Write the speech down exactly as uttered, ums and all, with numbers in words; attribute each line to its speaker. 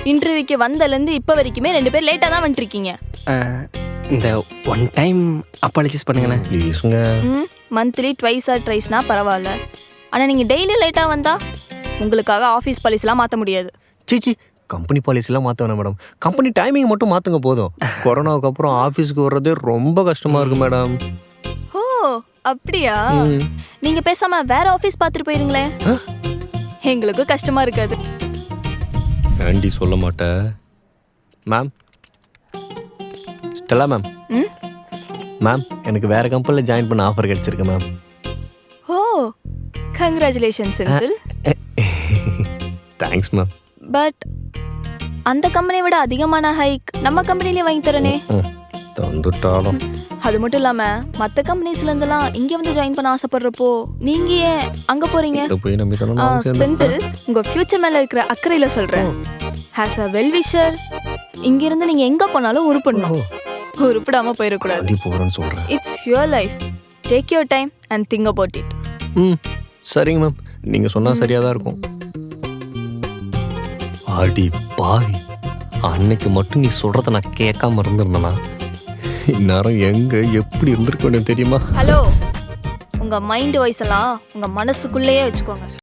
Speaker 1: இன்டர்வியூக்கு வந்தலேருந்து இப்போ வரைக்குமே ரெண்டு பேர் லேட்டாக தான் வந்துட்டுருக்கீங்க.
Speaker 2: இந்த ஒன் டைம் அப்பாலஜிஸ் பண்ணுங்கண்ணே ப்ளீஸுங்க.
Speaker 1: ம் மந்த்லி ட்வைஸ் ஆர் ட்ரைஸ்னா பரவாயில்ல. ஆனால் நீங்கள் டெய்லி லேட்டாக வந்தால் உங்களுக்காக ஆஃபீஸ் பாலிசிலாம் மாற்ற முடியாது.
Speaker 3: சீச்சி, கம்பெனி பாலிசிலாம் மாற்ற வேணாம் மேடம். கம்பெனி டைமிங் மட்டும் மாற்றுங்க போதும். கொரோனாவுக்கு அப்புறம் ஆஃபீஸ்க்கு வர்றதே ரொம்ப கஷ்டமாக இருக்குது மேடம்.
Speaker 1: ஓ அப்படியா? நீங்கள் பேசாமல் வேற ஆஃபீஸ் பார்த்துட்டு போயிருங்களேன். எங்களுக்கும் கஷ்டமாக இருக்காது.
Speaker 3: ஆண்டி சொல்ல மாட்டேன் மேம். Stella ma'am.
Speaker 1: ம்
Speaker 3: மேம், எனக்கு வேறு கம்பெனியில் ஜாயின் பண்ண ஆஃபர் கிடச்சிருக்கு ma'am.
Speaker 1: Oh congratulations uncle.
Speaker 3: Thanks ma'am.
Speaker 1: But அந்த கம்பெனியை விட அதிகமான ஹைக் நம்ம கம்பெனிலே வாங்கி தரனே.
Speaker 3: ம் தந்துட்டாலும்.
Speaker 1: அது மட்டும் இல்லாமல் மற்ற கம்பெனிஸ்லேருந்துலாம் இங்கே வந்து ஜாயின் பண்ண ஆசைப்படுறப்போ நீங்கள் ஏன் அங்கே போகிறீங்க?
Speaker 3: போய் நம்பி
Speaker 1: ஸ்பெண்டில் உங்கள் ஃப்யூச்சர் மேலே இருக்கிற அக்கறையில் சொல்கிறேன். ஹேஸ் அ வெல் விஷர் இங்கேருந்து நீங்கள் எங்கே போனாலும் உருப்பிடணும். உருப்பிடாமல் போயிடக்கூடாது.
Speaker 3: போகிறேன்னு சொல்கிறேன்.
Speaker 1: It's your life. Take your time and think about it.
Speaker 3: Hmm சரிங்க மேம், நீங்கள் சொன்னால் சரியாக தான் இருக்கும். ஆடி பாவி, அன்னைக்கு மட்டும் நீ சொல்கிறத நான் கேட்காம இருந்திருந்தேனா இந்நேரம் எங்கே எப்படி இருந்திருக்க வேண்டிய தெரியுமா?
Speaker 1: ஹலோ, உங்கள் மைண்ட் வாய்ஸ் எல்லாம் உங்கள் மனசுக்குள்ளேயே வச்சுக்கோங்க.